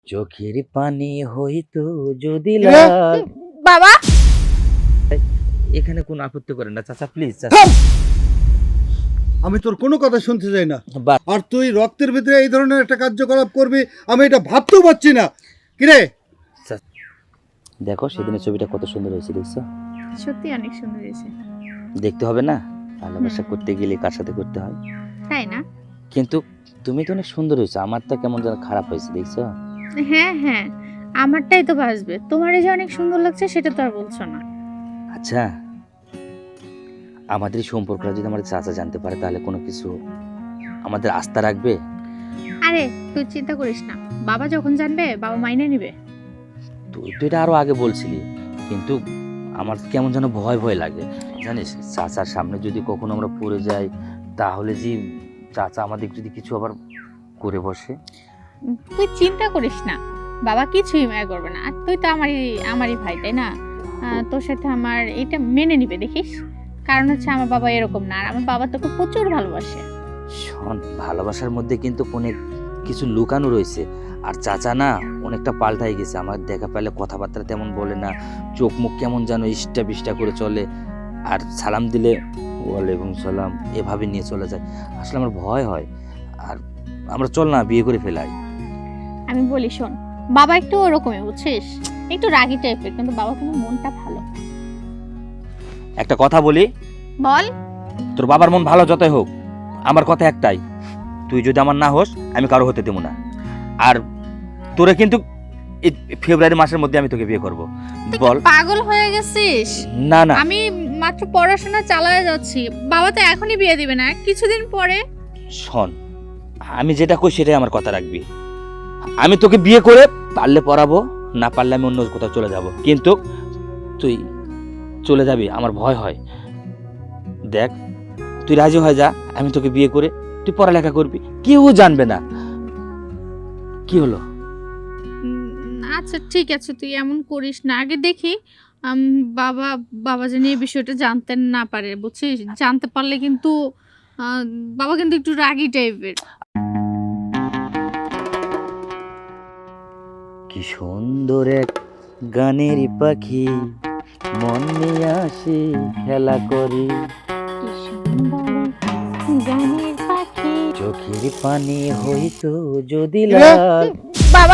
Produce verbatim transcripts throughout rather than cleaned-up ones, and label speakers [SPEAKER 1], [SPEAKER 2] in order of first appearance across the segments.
[SPEAKER 1] চোখের পানি হইতো যদি
[SPEAKER 2] কিরে?
[SPEAKER 1] লাগ।
[SPEAKER 3] বাবা
[SPEAKER 1] এখানে কোনো আপত্তি করেন না চাচা, প্লিজ
[SPEAKER 2] থাম! আমি তোর কোনো কথা শুনতে চাই না।
[SPEAKER 1] বা
[SPEAKER 2] আর তুই রক্তের ভিতরে এই ধরনের একটা কার্যকলাপ করবি আমি এটা ভাবতেও পারছি না। কিরে,
[SPEAKER 1] দেখো সেদিনের ছবিটা কত সুন্দর হয়েছে, দেখছো?
[SPEAKER 3] সত্যি অনেক সুন্দর হয়েছে।
[SPEAKER 1] দেখতে হবে না, ভালোবাসা
[SPEAKER 3] হুম।
[SPEAKER 1] করতে গেলে কার সাথে করতে হয়।
[SPEAKER 3] তাই না?
[SPEAKER 1] কিন্তু তুমি তো অনেক সুন্দর হয়েছো, আমারটা কেমন যেন খারাপ হয়েছে, দেখছো?
[SPEAKER 3] হ্যাঁ হ্যাঁ, আমারটাই তো বাসবে। তোমার যে অনেক সুন্দর লাগছে সেটা তো আর বলছো না।
[SPEAKER 1] আচ্ছা, আমাদের এই সম্পর্কটা যদি আমার চাচা জানতে পারে তাহলে কোনো কিছু আমাদের আস্থা রাখবে?
[SPEAKER 3] আরে তুই চিন্তা করিস না, বাবা যখন জানবে বাবা মাইনে নিবে।
[SPEAKER 1] তুই তো এটা আরো আগে বলছিলি, কিন্তু আমার কেমন যেন ভয় ভয় লাগে, জানিস? চাচার সামনে যদি কখনো আমরা পড়ে যাই তাহলে যে চাচা আমাদের যদি কিছু আবার করে বসে।
[SPEAKER 3] উম, তুই চিন্তা করিস না, বাবা কিছুই মায়া করবে না। আর তুই তো আমারই আমারই ভাই, তাই না? আহ, তোর সাথে আমার এটা মেনে নিবে দেখিস। কারণ হচ্ছে আমার বাবা এরকম না, আর আমার বাবা তোকে প্রচুর ভালোবাসে।
[SPEAKER 1] শোন, ভালোবাসার মধ্যে কিন্তু অনেক কিছু লুকানো রয়েছে। আর চাচা না অনেকটা পাল্টাই গেছে, আমার দেখা পেলে কথাবার্তা তেমন বলে না, চোখ মুখ কেমন যেন ইষ্টা বিষ্টা করে চলে, আর সালাম দিলে ওয়ালাইকুম সালাম এভাবে নিয়ে চলে যায়। আসলে আমার ভয় হয়। আর আমরা চল না বিয়ে করে ফেলাই।
[SPEAKER 3] আমি বলি শোন, বাবা একটু ওরকমই বুঝছিস, একটু রাগী টাইপের, কিন্তু বাবা কিন্তু মনটা ভালো।
[SPEAKER 1] একটা কথা বলি,
[SPEAKER 3] বল।
[SPEAKER 1] তোর বাবার মন ভালো যতই হোক, আমার কথা একটাই, তুই যদি আমার না হোস আমি কারো হতে দেবো না। আর তোরে কিন্তু এই ফেব্রুয়ারি মাসের মধ্যে আমি তোকে বিয়ে করব।
[SPEAKER 3] তুই কি
[SPEAKER 1] বল।
[SPEAKER 3] পাগল হয়ে গেছিস?
[SPEAKER 1] না না,
[SPEAKER 3] আমি মাত্র পড়াশোনা চালায় যাচ্ছি, বাবা তো এখনই বিয়ে দিবে না, কিছুদিন পরে।
[SPEAKER 1] শোন, আমি যেটা কই সেটাই আমার কথা রাখবি। আমি তোকে বিয়ে করে পারলে পড়াবো, না পারলে আমি অন্য কোথাও চলে যাব, কিন্তু তুই চলে যাবি আমার ভয় হয়। দেখ, তুই রাজি হয়ে যা, আমি তোকে বিয়ে করে তুই পড়ালেখা করবি, কেউ জানবে না। কি হলো?
[SPEAKER 3] উম, আচ্ছা ঠিক আছে, তুই এমন করিস না। আগে দেখি আম, বাবা বাবা যেন এই বিষয়টা জানতে না পারে, বুঝছিস? জানতে পারলে কিন্তু আহ, বাবা কিন্তু একটু রাগী টাইপের।
[SPEAKER 1] কি সুন্দর এক গানের পাখি, মন নিয়ে আসি খেলা করি,
[SPEAKER 3] গানের পাখি।
[SPEAKER 1] চোখের পানি হইতো যদি
[SPEAKER 2] কিরে?
[SPEAKER 1] লাগ।
[SPEAKER 3] বাবা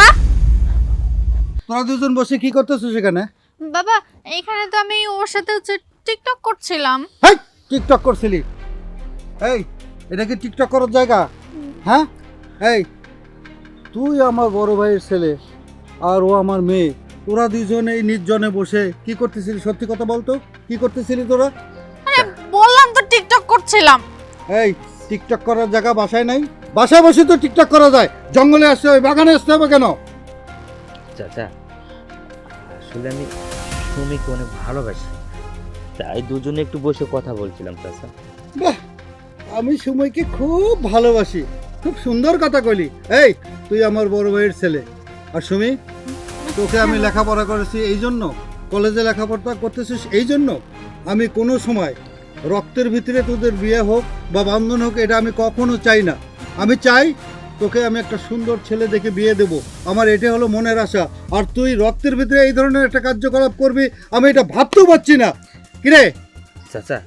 [SPEAKER 2] তোরা দুজন বসে কি করতেছিস সেখানে?
[SPEAKER 3] বাবা এখানে তো আমি ওর সাথে হচ্ছে টিকটক করছিলাম।
[SPEAKER 2] হেই, টিকটক করছিলি? এই, এটা কি টিকটক করার জায়গা? হ্যাঁ, এই, তুই আমার বড় ভাইয়ের ছেলে আর ও আমার মেয়ে, তোরা দুজনে এই নির্জনে বসে কি করতেছিলি? সত্যি কথা বলতো, কি করতেছিলি তোরা?
[SPEAKER 3] আরে বললাম তো টিকটক করছিলাম।
[SPEAKER 2] এই, টিকটক করার জায়গা বাসায় নাই? বাসায় বসে তো টিকটক করা যায়, জঙ্গলে আসতে হবে, বাগানে আসতে হবে কেন?
[SPEAKER 1] চাচা, আসলে আমি সুমিকে অনেক ভালোবাসি, তাই দুজনে একটু বসে কথা বলছিলাম চাচা।
[SPEAKER 2] বাহ, আমি সময়কে খুব ভালোবাসি, খুব সুন্দর কথা কইলি। এই, তুই আমার বড় ভাইয়ের ছেলে, আর সুমি, তোকে আমি লেখাপড়া করেছি এই জন্য, কলেজে লেখাপড়া করতেছিস এই জন্য। আমি কোনো সময় রক্তের ভিতরে তোদের বিয়ে হোক বা বন্ধন হোক, এটা আমি কখনো চাই না। আমি চাই তোকে আমি একটা সুন্দর ছেলে দেখে বিয়ে দেব, আমার এটা হলো মনের আশা। আর তুই রক্তের ভিতরে এই ধরনের একটা কার্যকলাপ করবি আমি এটা ভাবতেও পারছি না। কিরে?
[SPEAKER 1] চাচা,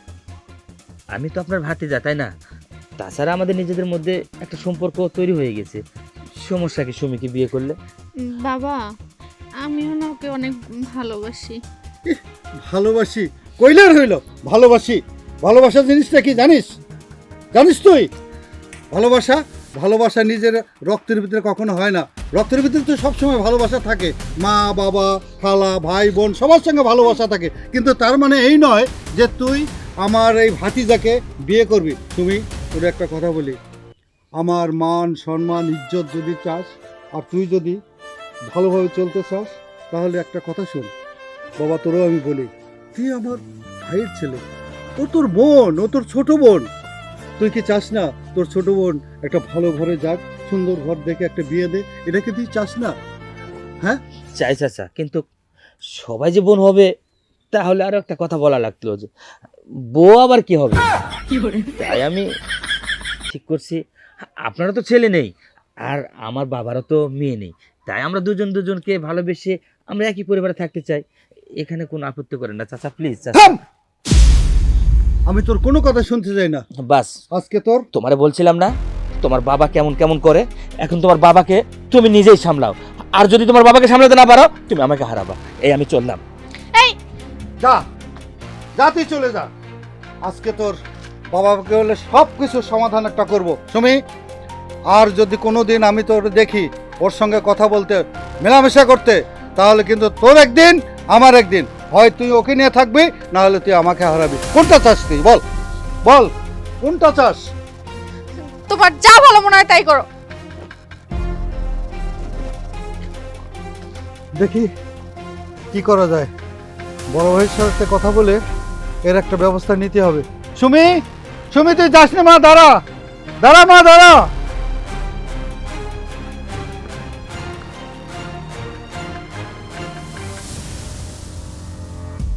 [SPEAKER 1] আমি তো আপনার ভাতিজা, তাই না? তাছাড়া আমাদের নিজেদের মধ্যে একটা সম্পর্ক তৈরি হয়ে গেছে, সমস্যা কি সুমিকে বিয়ে করলে?
[SPEAKER 3] বাবা আমিও না ওকে অনেক ভালোবাসি।
[SPEAKER 2] ভালোবাসি কইলার হইল? ভালোবাসি, ভালোবাসা জিনিসটা কি জানিস? জানিস তুই ভালোবাসা? ভালোবাসা নিজের রক্তের ভিতরে কখনো হয় না। রক্তের ভিতরে তো সবসময় ভালোবাসা থাকে, মা বাবা খালা ভাই বোন সবার সঙ্গে ভালোবাসা থাকে, কিন্তু তার মানে এই নয় যে তুই আমার এই ভাতিজাকে বিয়ে করবি। তুমি তোর একটা কথা বলি, আমার মান সম্মান ইজ্জত যদি চাস, আর তুই যদি ভালোভাবে চলতে চাস, তাহলে একটা কথা শোন বাবা, তোরও আমি বলি, তুই আমার ভাইয়ের ছেলে, ও তোর বোন, ও তোর ছোট বোন। তুই কি চাস না তোর ছোট বোন একটা ভালো ঘরে যাক, সুন্দর ঘর দেখে একটা বিয়ে দে? এটা কি তুই চাস না? হ্যাঁ,
[SPEAKER 1] চাই চাচা, কিন্তু সবাই যে বোন হবে তাহলে আরো একটা কথা বলা লাগতো, যে বউ আবার কি হবে। তাই আমি ঠিক করছি, আপনারও তো ছেলে নেই আর আমার বাবারও তো মেয়ে নেই, তাই আমরা দুজন দুজনকে ভালোবেসে আমরা একই পরিবারে থাকতে চাই, এখানে কোনো আপত্তি করেন না চাচা, প্লিজ চাচা।
[SPEAKER 2] থাম! আমি তোর কোনো কথা শুনতে চাই না।
[SPEAKER 1] বাস,
[SPEAKER 2] আজকে তোর
[SPEAKER 1] তোমারে বলছিলাম না তোমার বাবা কেমন কেমন করে, এখন তোমার বাবাকে তুমি নিজেই সামলাও, আর যদি তোমার বাবাকে সামলাতে না পারো তুমি আমাকে হারাবা। এই আমি চললাম।
[SPEAKER 3] এই
[SPEAKER 2] যা যা তুই চলে যা। আজকে তোর বাবাকে বলে সব কিছুর সমাধান একটা করবো সুমি। আর যদি কোনো দিন আমি তোর দেখি ওর সঙ্গে কথা বলতে, মেলামেশা করতে, তাহলে কিন্তু তোর একদিন আমার একদিন, হয় তুই ওকে নিয়ে থাকবি, না হলে তুই আমাকে হারাবি। কোনটা চাস তুই বল, বল কোনটা চাস?
[SPEAKER 3] তোমার যা ভালো মনে হয় তাই করো।
[SPEAKER 2] দেখি কি করা যায়, বড় ভাইয়ের সাথে কথা বলে এর একটা ব্যবস্থা নিতে হবে। সুমি, সুমি তুই যাস না মা, দাঁড়া দাঁড়া মা দাঁড়া।